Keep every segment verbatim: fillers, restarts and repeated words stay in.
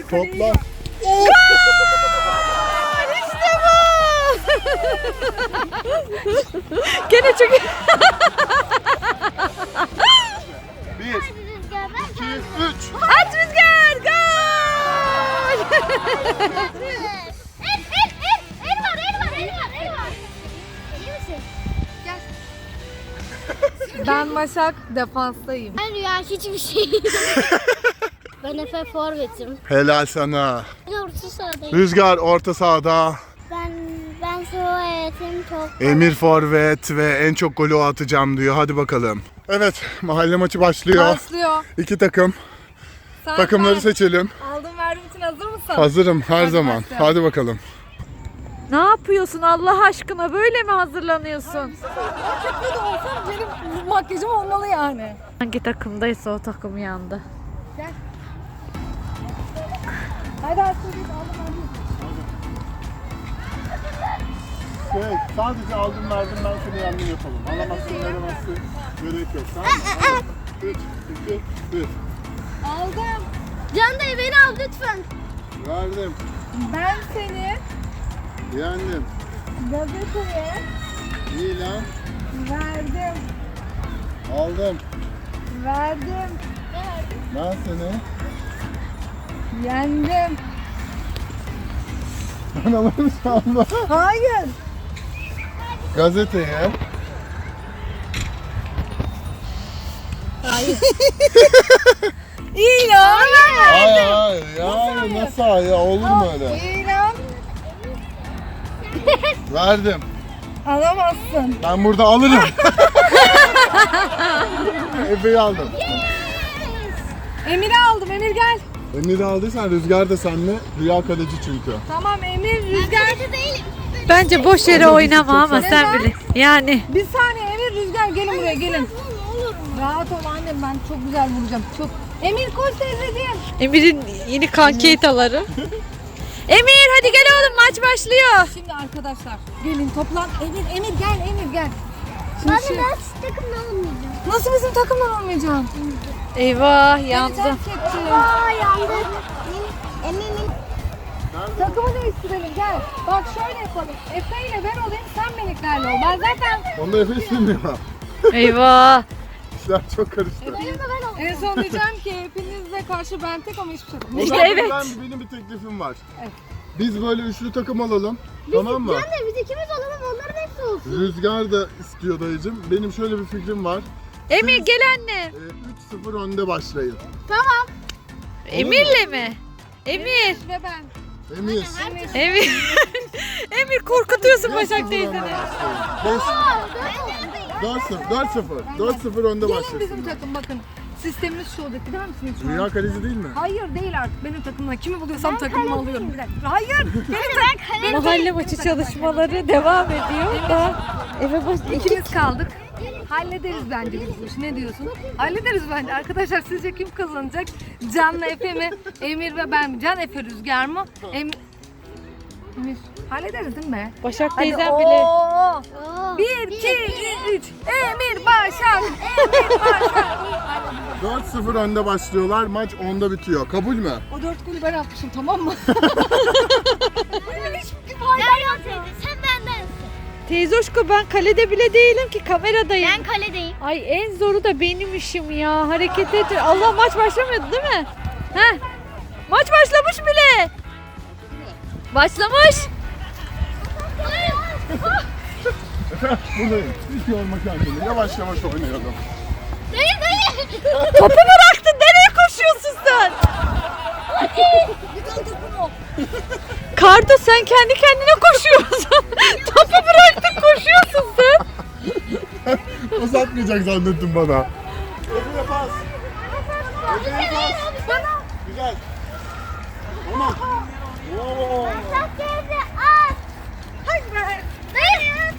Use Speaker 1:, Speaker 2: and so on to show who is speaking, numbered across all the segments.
Speaker 1: Topla.
Speaker 2: Gol! İşte bu! Gene çok iyi.
Speaker 1: Bir, iki, üç.
Speaker 2: At Rüzgar! Gol!
Speaker 3: El, el, el, el var, el var, el var, el var. İyi misin? Gel.
Speaker 2: Ben Başak, defanstayım.
Speaker 3: Ben Rüya hiçbir şey. Ben Efe forvetim.
Speaker 1: Helal sana.
Speaker 3: Ben orta sahadayım.
Speaker 1: Rüzgar orta sahada.
Speaker 3: Ben ben forvetim top.
Speaker 1: Emir forvet ve en çok golü o atacağım diyor. Hadi bakalım. Evet, mahalle maçı başlıyor.
Speaker 2: Başlıyor.
Speaker 1: İki takım.
Speaker 2: Sen
Speaker 1: Takımları
Speaker 2: ben.
Speaker 1: seçelim.
Speaker 2: Aldım verdim için hazır mısın?
Speaker 1: Hazırım her
Speaker 2: Hadi
Speaker 1: zaman.
Speaker 2: başlayalım.
Speaker 1: Hadi bakalım.
Speaker 2: Ne yapıyorsun Allah aşkına? Böyle mi hazırlanıyorsun? Erkekli de olsam benim makyajım olmalı yani. Hangi takımdaysa o takım yandı. Gel. Hadi Aslı git aldım aldım.
Speaker 1: Evet, sadece aldım verdim ben seni yandım yapalım. Alamazsın, veremezsin. Gerek yok. Tamam. üç, iki, bir.
Speaker 2: Aldım.
Speaker 3: Can dayı beni al lütfen.
Speaker 1: Verdim.
Speaker 2: Ben seni
Speaker 1: Yendim.
Speaker 2: gazeteye
Speaker 1: İyi lan.
Speaker 2: verdim.
Speaker 1: Aldım.
Speaker 2: Verdim.
Speaker 1: Ben seni.
Speaker 2: Yendim.
Speaker 1: Ben alırım şu anda.
Speaker 2: Hayır.
Speaker 1: Gazeteye.
Speaker 2: İlan.
Speaker 1: Hayır hayır. Yani nasıl hayır? Olur mu öyle?
Speaker 2: İlan.
Speaker 1: Verdim.
Speaker 2: Alamazsın.
Speaker 1: Ben burada alırım. Efe'yi aldım.
Speaker 2: Emir'i aldım. Emir gel.
Speaker 1: Emir'i aldıysan Rüzgar da seninle. Rüya kaleci çünkü.
Speaker 2: Tamam Emir, Rüzgar.
Speaker 3: Kaleci değilim.
Speaker 2: Bence boş yere oynama ama
Speaker 1: Neden?
Speaker 2: sen bile. Yani. Bir saniye Emir, Rüzgar gelin buraya gelin.
Speaker 3: Olur mu?
Speaker 2: Rahat ol annem ben çok güzel vuracağım. Çok. Emir koş teyzeciğim.
Speaker 4: Emir'in yeni kankeytaları. Emir hadi gel oğlum maç başlıyor.
Speaker 2: Şimdi arkadaşlar gelin toplan. Emir, Emir gel, Emir gel. Şimdi
Speaker 3: Ben
Speaker 2: şu-
Speaker 3: de ben takımda olmayacağım.
Speaker 2: Nasıl bizim takımdan olmayacağım?
Speaker 4: Eyvah
Speaker 2: Beni
Speaker 4: yandı.
Speaker 2: terk etti.
Speaker 3: Aa yandık. Eminim.
Speaker 2: Takımı değiştirelim gel. Bak şöyle yapalım. Efe ile ben olayım sen Meliklerle ol. Ben zaten
Speaker 1: Onda Efe istemiyor.
Speaker 4: Eyvah.
Speaker 1: İşler çok karıştı.
Speaker 2: en son diyeceğim ki hepinizle karşı ben tek ama hiçbir şey yok.
Speaker 4: İşte
Speaker 1: Ben-
Speaker 4: evet.
Speaker 1: Ben, benim bir teklifim var.
Speaker 2: Evet.
Speaker 1: Biz böyle üçlü takım alalım. Tamam mı?
Speaker 3: Can dayı biz ikimiz olalım onların hepsi olsun.
Speaker 1: Rüzgar da istiyor dayıcım. Benim şöyle bir fikrim var.
Speaker 4: Emir gel anne.
Speaker 1: Ee, üç sıfır önde başlayın.
Speaker 4: Emir'le mi? Emir.
Speaker 2: Ve ben.
Speaker 1: Emir.
Speaker 4: Emir. Emir korkutuyorsun Başak teyzeni.
Speaker 1: dört sıfır. dört sıfır. dört sıfır önde
Speaker 2: Gelin
Speaker 1: başlasın.
Speaker 2: bizim takım bakın. Sistemimiz şu olacak. Gider misiniz şu an?
Speaker 1: Rüya kaleci değil mi?
Speaker 2: Hayır değil artık. Benim takımdan kimi buluyorsam takımımı alıyorum. Bir dakika. Hayır. Benim takım.
Speaker 4: Mahalle maçı çalışmaları devam ediyor da eve baş iki
Speaker 2: İkimiz kaldık. Hallederiz bence biz bu işi. Ne diyorsun? Hallederiz bence. Arkadaşlar sizce kim kazanacak? Can'la Efe mi? Emir ve ben mi? Can, Efe, Rüzgar mı? Emir. Emir. Hallederiz değil mi?
Speaker 4: Başak
Speaker 2: Hadi
Speaker 4: teyzem
Speaker 2: oo.
Speaker 4: bile.
Speaker 2: Bir, iki, üç. Emir Başak. Emir Başak.
Speaker 1: dört sıfır önde başlıyorlar. Maç onda bitiyor. Kabul mü?
Speaker 2: O dört golü ben atmışım tamam mı?
Speaker 3: Sen bendensin.
Speaker 4: Teyzoşko ben kalede bile değilim ki kameradayım.
Speaker 3: Ben kaledeyim.
Speaker 4: Ay en zoru da benim işim ya. Hareket et. Allah maç başlamıyordu değil mi? Heh. Maç başlamış bile. Başlamış.
Speaker 1: Buradayım. Hiç yorma kendini. Yavaş yavaş oynayalım.
Speaker 3: Dayı dayı.
Speaker 4: Topu bıraktın. Nereye koşuyorsun sen? Kardo sen kendi kendine koşuyorsun. Topu bıraktın koşuyorsun sen.
Speaker 1: Uzatmayacak zannettim bana. Öbürüne pas. Öbürüne pas. Güzel. Tamam. Oo.
Speaker 3: Bak geldi at.
Speaker 2: Hadi be.
Speaker 3: Dayı.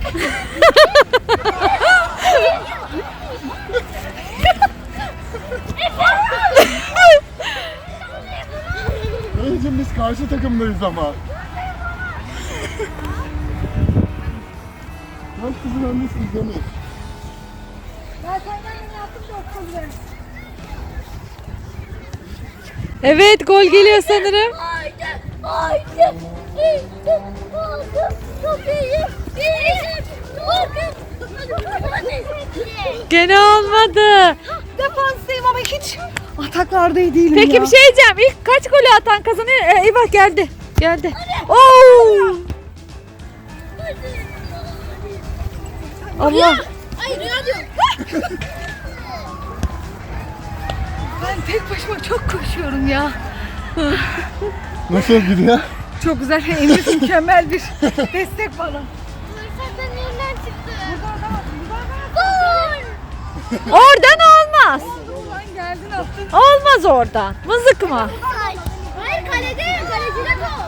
Speaker 1: Dayıcım biz karşı takımdayız ama. Dört kızın önlüsünüz Emir.
Speaker 2: Ben senden beni yaptım çok güzel.
Speaker 4: Evet, gol geliyor sanırım.
Speaker 3: Haydi, haydi. İşte aldım kapıyı. Bir, bakın.
Speaker 4: Gene olmadı.
Speaker 2: Defanstayım ama hiç ataklarda iyi değilim
Speaker 4: Peki
Speaker 2: ya.
Speaker 4: bir şey diyeceğim. İlk kaç golü atan kazanıyor? Ee, eyvah geldi. Geldi. Oo! Allah.
Speaker 3: Hayır, Rüya diyorum.
Speaker 2: Ben tek başıma çok koşuyorum ya.
Speaker 1: Nasıl gidiyor?
Speaker 2: Çok güzel. Emir mükemmel bir destek bana.
Speaker 3: Fırsatın elinden çıktı.
Speaker 4: Oradan olmaz.
Speaker 2: Ulan geldin attın.
Speaker 4: Olmaz oradan. Mızık mı?
Speaker 3: Hayır, kalede. Kalecide top.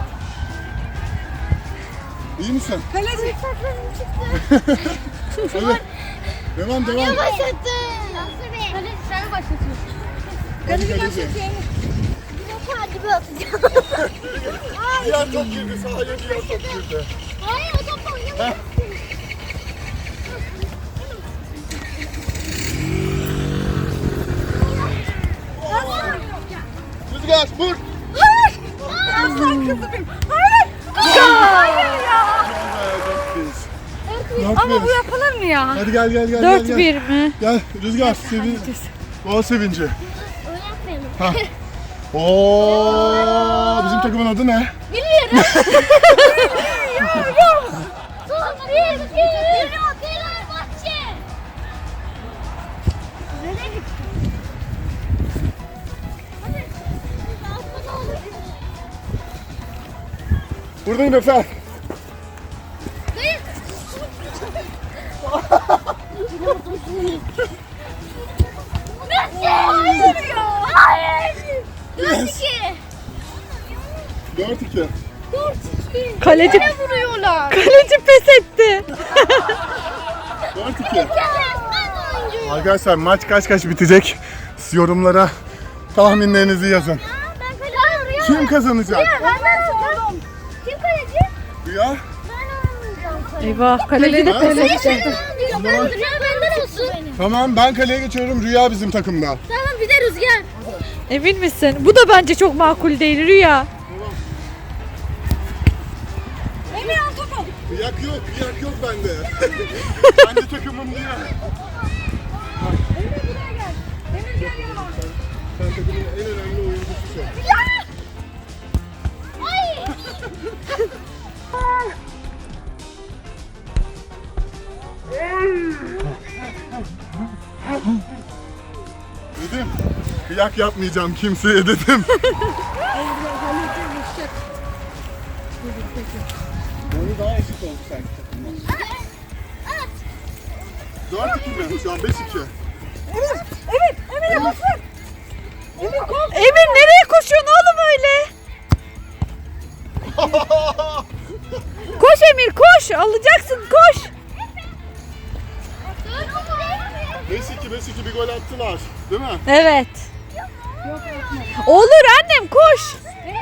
Speaker 1: İyi misin?
Speaker 2: Kaleci.
Speaker 3: Fırsatların çıktı.
Speaker 1: Evet. Devam devam.
Speaker 3: Başlattı. Nasıl be? Kaleci sen başlatıyorsun.
Speaker 1: Hadi kaleci.
Speaker 3: Hadi bir atacağım.
Speaker 1: Diğer top girdi sahaya, diğer top girdi.
Speaker 3: Hayır, o topla oynamıyorsun.
Speaker 1: Rüzgar vur.
Speaker 2: Aslan kızı benim. Hayır. Hayır ya.
Speaker 1: Dört
Speaker 2: Ama bu
Speaker 1: bir.
Speaker 2: yapılır mı ya?
Speaker 1: Hadi gel gel gel.
Speaker 4: dört
Speaker 1: gel,
Speaker 4: bir
Speaker 1: gel.
Speaker 4: mi?
Speaker 1: Gel Rüzgar sevin. Gol sevinci.
Speaker 3: Oynatmayalım.
Speaker 1: Ha. Oo, bizim takımın adı ne?
Speaker 3: Bilmiyorum. Son bir, bir, Fenerbahçe. Nereye gitti? Hadi. Atma ne olur.
Speaker 1: Buradayım Efe.
Speaker 3: Hayır. Messi! Hayır ya. Hayır. Dört iki.
Speaker 1: Dört iki.
Speaker 3: Dört iki.
Speaker 4: Kaleci,
Speaker 3: Ne vuruyorlar?
Speaker 4: kaleci pes etti.
Speaker 1: Dört iki.
Speaker 3: Ben oyuncuyum.
Speaker 1: Arkadaşlar maç kaç kaç bitecek? Siz yorumlara tahminlerinizi yazın.
Speaker 3: Ben kaleci.
Speaker 1: Kim kazanacak?
Speaker 3: Ben sordum. Kim kaleci?
Speaker 1: Rüya.
Speaker 3: Ben olmayacağım.
Speaker 4: Eyvah, kaleci de
Speaker 1: Ha?
Speaker 4: pes
Speaker 3: Ben
Speaker 4: etti.
Speaker 3: ben ben Rüya benden olsun.
Speaker 1: Tamam ben kaleye geçiyorum. Rüya bizim takımda.
Speaker 3: Tamam bir de Rüzgar.
Speaker 4: Emin misin? Bu da bence çok makul değil Rüya.
Speaker 2: Emir al topu.
Speaker 1: Kıyak yok, kıyak yok bende. Kendi takımım diye.
Speaker 2: Emir buraya gel. Emir gel yanıma.
Speaker 1: Sen takımın en önemli oyuncususun.
Speaker 3: Ay.
Speaker 1: Dedim. Kıyak yapmayacağım kimseye dedim. Boyu daha eşit oldu sanki takımlar. dört iki mi? Şu an beş iki.
Speaker 2: Emir. Emir. Emir'e basın. Emir kol.
Speaker 4: Emir nereye koşuyorsun oğlum öyle? Koş Emir koş. Alacaksın koş.
Speaker 1: beş iki beş iki bir gol attılar. Değil mi?
Speaker 4: Evet. Olur annem koş.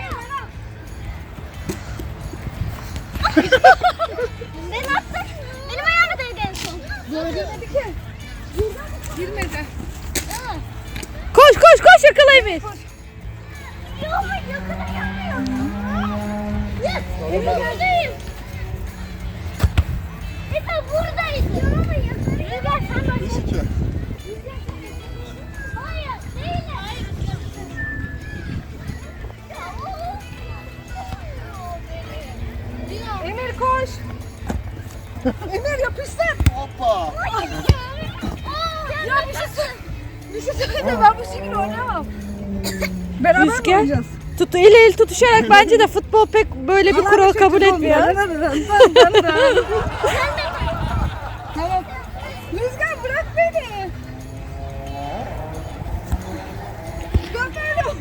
Speaker 3: Ben attım. Benim ayağıma değdi en son.
Speaker 2: Girmedi ki. Girmedi.
Speaker 4: Koş koş koş yakala Emir.
Speaker 3: Yok yakına gelmiyor. Yes. Emir buradayım. Efe buradayız. Ama yakına Rüzgar sen bak.
Speaker 1: beş iki.
Speaker 3: Hayır değil. Hayır.
Speaker 2: Emir koş. Emir yapıştır.
Speaker 1: Hoppa.
Speaker 2: Ya bir şey söyle. Bir şey söyle. Ben bu şekilde oynamam. Beraber mi
Speaker 4: Rüzgar.
Speaker 2: oynayacağız?
Speaker 4: Tut, el el tutuşarak bence de futbol pek böyle bir kural kabul etmiyor.
Speaker 2: Tamam. Rüzgar bırak beni. Rüzgar beni.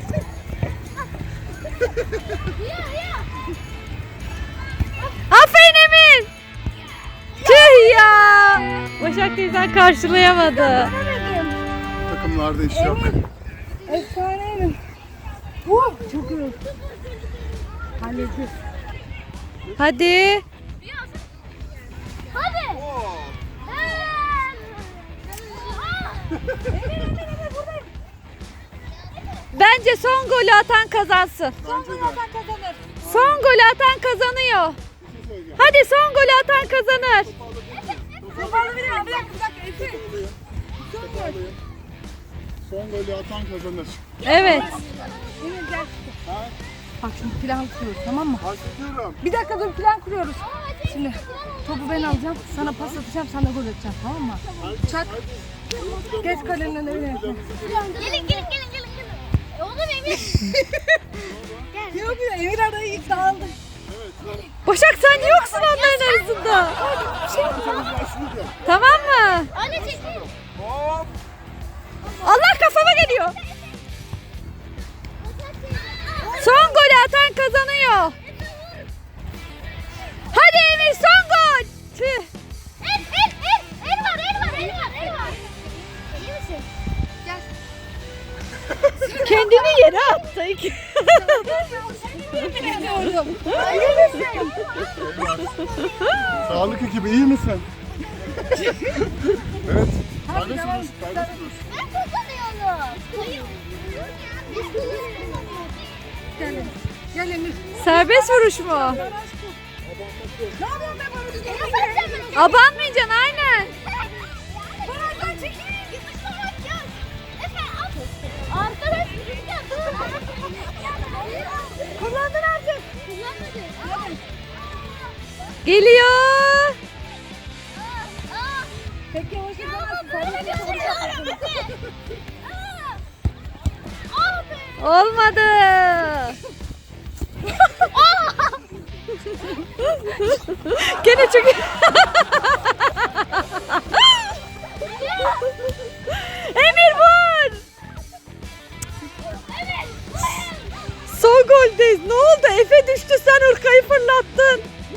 Speaker 4: Aferin Emir. Tüh ya. Başak teyzen karşılayamadı.
Speaker 1: Takımlarda iş yok.
Speaker 2: Efsaneyim. Uh, çok iyi. Halledeceğiz.
Speaker 4: Hadi.
Speaker 3: Hadi.
Speaker 4: Bence son golü atan kazansın.
Speaker 2: Son golü atan kazanır.
Speaker 4: Son golü atan kazanıyor.
Speaker 1: Bir şey söyleyeceğim.
Speaker 4: Hadi son golü atan kazanır.
Speaker 2: Topu alabilir miyim? Bir dakika bir dakika. Efe.
Speaker 1: Son gol. Son golü atan kazanır.
Speaker 4: Evet.
Speaker 2: Emir gel.
Speaker 1: Ha?
Speaker 2: Bak şimdi plan kuruyoruz tamam mı?
Speaker 1: Başlatıyorum.
Speaker 2: Bir dakika dur plan kuruyoruz. Şimdi topu ben alacağım. Sana pas atacağım. Sen de gol atacaksın tamam mı? Çak. Geç kalenin önüne.
Speaker 3: Gelin gelin gelin gelin gelin. E, Oğlum Emir.
Speaker 2: Yok ya Emir arayı ilk dağıldı.
Speaker 4: Başak sen yoksun onların arasında.
Speaker 1: Başlayacağım.
Speaker 4: Tamam mı?
Speaker 3: Anne çekil.
Speaker 1: Hop.
Speaker 4: Allah kafama geliyor. Son golü atan kazanıyor. Hadi Emir son gol. Tüh.
Speaker 3: El el el. El var el var el var el var. İyi misin?
Speaker 4: Kendini yere attı.
Speaker 2: Bilmiyorum.
Speaker 1: Sağlık ekibi iyi misin? Evet.
Speaker 2: Hadi
Speaker 1: Serbest
Speaker 2: devam.
Speaker 1: vuruş, serbest vuruş.
Speaker 3: Ben kazanıyorum. Hayır. Biz kullanıyoruz.
Speaker 2: Gel Emir. Gel Emir.
Speaker 4: Serbest vuruş mu?
Speaker 2: Ne yapıyorsun be bana?
Speaker 4: Abanmayacaksın aynen.
Speaker 3: Bana çekil. Yapıştırmak yok. Efe at. Arkadaş rüzgar dur.
Speaker 2: Kullandın artık.
Speaker 3: Kullanmadı.
Speaker 4: Geliyor.
Speaker 2: Peki yavaş
Speaker 3: Ya
Speaker 2: yavaş.
Speaker 3: böyle bir şey olur mu? Abi.
Speaker 4: Olmadı. Gene çok Emir vur. Son goldeyiz. Ne oldu? Efe düştü sen Urkay'ı fırlattın.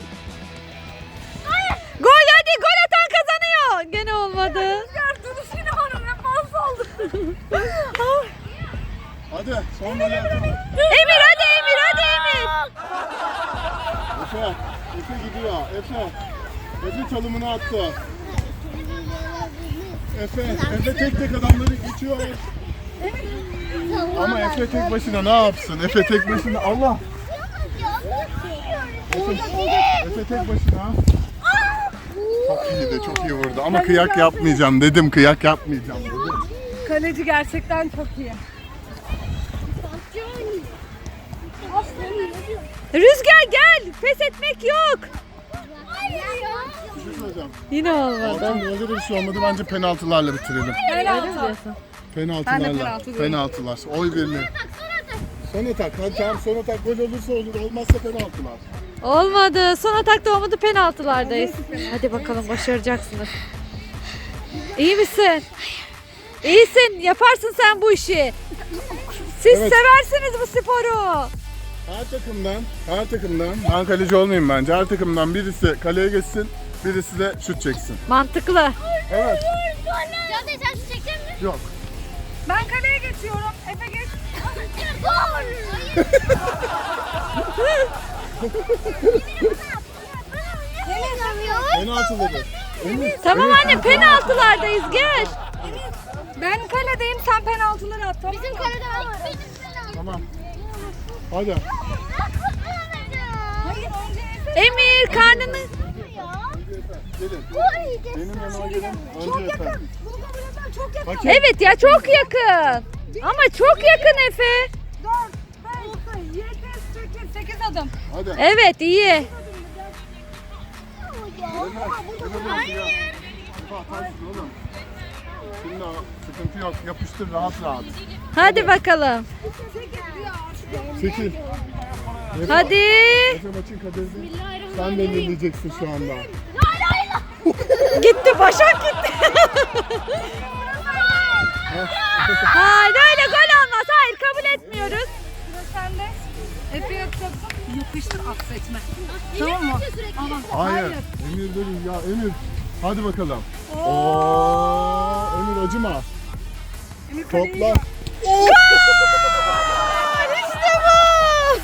Speaker 4: Gol hadi gol atan kazanıyor. Gene olmadı.
Speaker 2: Rüzgar duruş yine bana ne fazla oldu.
Speaker 1: Hadi son golü atalım.
Speaker 4: Emir hadi Emir hadi Emir.
Speaker 1: Efe. Efe gidiyor. Efe. Efe çalımını attı. Efe. Efe tek tek adamları geçiyor. Ama Efe tek başına ne yapsın? Efe tek başına. Allah. Efe, Efe tek başına. Çok iyiydi, çok iyi vurdu. Ama kıyak yapmayacağım dedim, kıyak yapmayacağım dedim.
Speaker 2: Kaleci gerçekten çok iyi.
Speaker 4: Rüzgar gel. Pes etmek yok.
Speaker 1: Bir şey söyleyeceğim.
Speaker 4: Yine olmadı.
Speaker 1: Zaten böyle de bir şey olmadı. Bence penaltılarla bitirelim.
Speaker 2: Penaltı.
Speaker 1: Penaltılarla.
Speaker 2: penaltı diyorum.
Speaker 1: Penaltılar. Oy birliği. Son atak. Hadi tamam son atak gol olursa olur. Olmazsa penaltılar.
Speaker 4: Olmadı. Son atakta olmadı. Penaltılardayız. Hadi bakalım başaracaksınız. İyi misin? İyisin. Yaparsın sen bu işi. Siz
Speaker 1: Evet.
Speaker 4: seversiniz bu sporu.
Speaker 1: Her takımdan, her takımdan, ben kaleci olmayayım bence. Her takımdan birisi kaleye geçsin, birisi de şut çeksin.
Speaker 4: Mantıklı.
Speaker 1: Evet.
Speaker 3: Can sen şu çekecek misin?
Speaker 1: Yok.
Speaker 2: Ben kaleye geçiyorum. Efe geç.
Speaker 3: Gol. Hayır.
Speaker 1: Penaltı dedi. Emir.
Speaker 4: Tamam anne penaltılardayız gel.
Speaker 2: Ben kaledeyim sen penaltıları at. Tamam.
Speaker 3: Bizim kalede ben varım.
Speaker 1: Tamam. Hadi.
Speaker 2: Hayır önce Efe.
Speaker 4: Emir karnını...
Speaker 1: Gelin. Benim yanıma gelin. Önce Efe.
Speaker 2: Bunu kabul etmem çok yakın.
Speaker 1: Hakem.
Speaker 4: Evet ya çok yakın. Ama çok yakın Efe.
Speaker 2: dört, beş, yedi, sekiz. sekiz adım.
Speaker 1: Hadi.
Speaker 4: Evet iyi.
Speaker 1: Efe, Efe dur,
Speaker 3: Hayır.
Speaker 1: Efe atarsın oğlum. Şimdi sıkıntı yok. Yapıştır rahat rahat.
Speaker 4: Hadi bakalım.
Speaker 1: Çekil. Efe,
Speaker 4: Hadi.
Speaker 1: Efe maçın kaderini sen belirleyeceksin şu anda.
Speaker 4: Gitti Başak gitti. Hayır öyle gol olmaz. Hayır kabul etmiyoruz.
Speaker 2: Sıra sende. Efe yapacaksın. Yapıştır at seçme. Tamam mı? Ama
Speaker 1: Hayır. Emir dedi ya Emir. Hadi bakalım. Oo, Emir acıma.
Speaker 2: Emir kaleyi
Speaker 1: Topla.
Speaker 2: yap.
Speaker 4: İşte bu.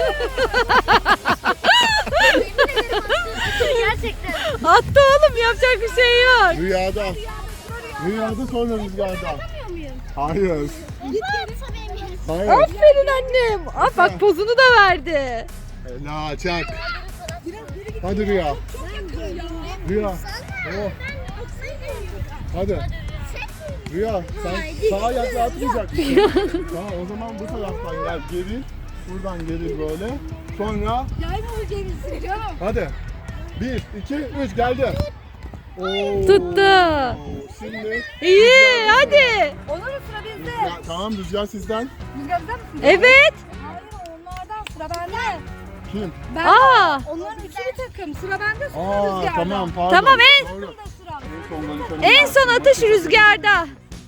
Speaker 3: Gerçekten.
Speaker 4: Attı oğlum yapacak bir şey yok.
Speaker 1: Rüyada. Rüyada sonra rüzgarda. Hayır.
Speaker 3: Git geri.
Speaker 1: Hayır.
Speaker 4: Aferin annem. Aa, bak pozunu da verdi.
Speaker 1: Ela çak. Hadi Rüya. Rüya. Oh. Hadi. Rüya sen sağa ayakla atmayacaksın. Tamam o zaman bu taraftan gel geri. Buradan geri böyle. Sonra
Speaker 2: Yayma bu gerisi canım.
Speaker 1: hadi. Bir, iki, üç geldi. Oo.
Speaker 4: Tuttu.
Speaker 1: Şimdi
Speaker 4: İyi hadi.
Speaker 2: Olur mu sıra bizde?
Speaker 1: Rüzgar, tamam Rüzgar sizden.
Speaker 2: Rüzgar bizden misin?
Speaker 4: Evet.
Speaker 2: Hayır onlardan sıra bende.
Speaker 1: Kim?
Speaker 2: Ben
Speaker 4: Aa.
Speaker 2: onların ikili takım. Sıra bende sıra
Speaker 1: Aa
Speaker 2: Rüzgar'da.
Speaker 1: tamam pardon.
Speaker 4: Tamam, en-
Speaker 1: Doğru.
Speaker 2: Sıra sıra.
Speaker 1: En son konuşalım.
Speaker 4: En son atış Rüzgar'da.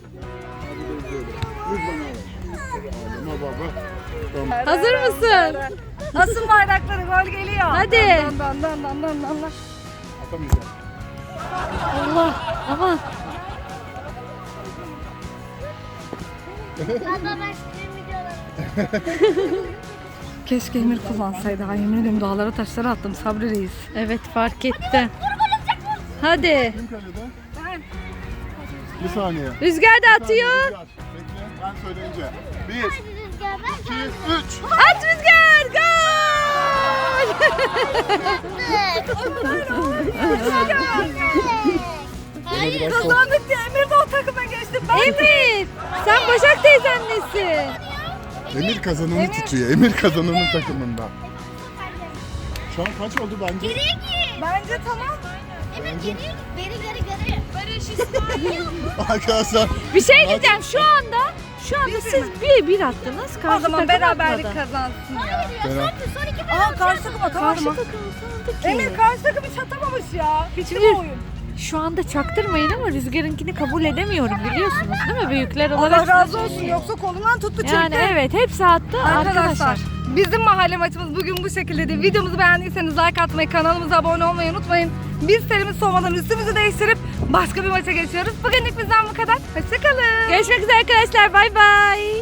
Speaker 1: Ağlama baba. Tamam.
Speaker 4: Hazır mısın?
Speaker 2: Asın bardakları gol geliyor.
Speaker 4: Hadi.
Speaker 2: Dan dan dan dan dan dan dan.
Speaker 1: Atamayacağım.
Speaker 4: Allah. Aman.
Speaker 3: Baba ben sizin videolarım.
Speaker 2: Keşke Emir kullansaydı. Ay yemin ediyorum dağlara taşlara attım Sabri Reis.
Speaker 4: Evet fark etti. Hadi.
Speaker 1: Kim kalede?
Speaker 2: Ben.
Speaker 1: Bir saniye.
Speaker 4: Rüzgar da atıyor.
Speaker 1: Rüzgar, bekle ben söyleyince. Bir,
Speaker 3: Hadi Rüzgar ben
Speaker 1: iki, üç.
Speaker 4: At Rüzgar. Gol.
Speaker 3: Hayır.
Speaker 2: Kazandık diye Emir de o takıma geçti. Ben
Speaker 4: Emir. Sen Başak teyzenlesin.
Speaker 1: Emir kazananı tutuyor. Emir kazananın takımında. Şu an kaç oldu bence?
Speaker 3: Geriye git.
Speaker 2: Bence tamam.
Speaker 3: Evet geriye git. Geri geri geri. Barış İsmail.
Speaker 1: Arkadaşlar
Speaker 4: Bir şey diyeceğim şu anda. Şu anda siz bir bir attınız.
Speaker 2: O
Speaker 4: Karşı
Speaker 2: zaman
Speaker 4: takım
Speaker 2: beraberlik
Speaker 4: atmadı.
Speaker 2: kazansın ya.
Speaker 1: Berat.
Speaker 3: Son iki ben.
Speaker 2: Aa karşı takım atamadı
Speaker 4: Karşı
Speaker 2: mı?
Speaker 4: takım sandık ki.
Speaker 2: Emir karşı takım hiç atamamış ya. Hiç
Speaker 4: Şimdi-
Speaker 2: mi oyun?
Speaker 4: Şu anda çaktırmayın ama Rüzgar'ınkini kabul edemiyorum biliyorsunuz değil mi? Büyükler olarak.
Speaker 2: Allah razı olsun yoksa kolundan tuttu çekti.
Speaker 4: Yani evet hepsi attı
Speaker 2: Arkadaşlar,
Speaker 4: arkadaşlar.
Speaker 2: bizim mahalle maçımız bugün bu şekildeydi. Videomuzu beğendiyseniz like atmayı, kanalımıza abone olmayı unutmayın. Biz serimiz soğumadan üstümüzü değiştirip başka bir maça geçiyoruz. Bugünlük bizden bu kadar. Hoşçakalın.
Speaker 4: Görüşmek üzere arkadaşlar. Bay bay.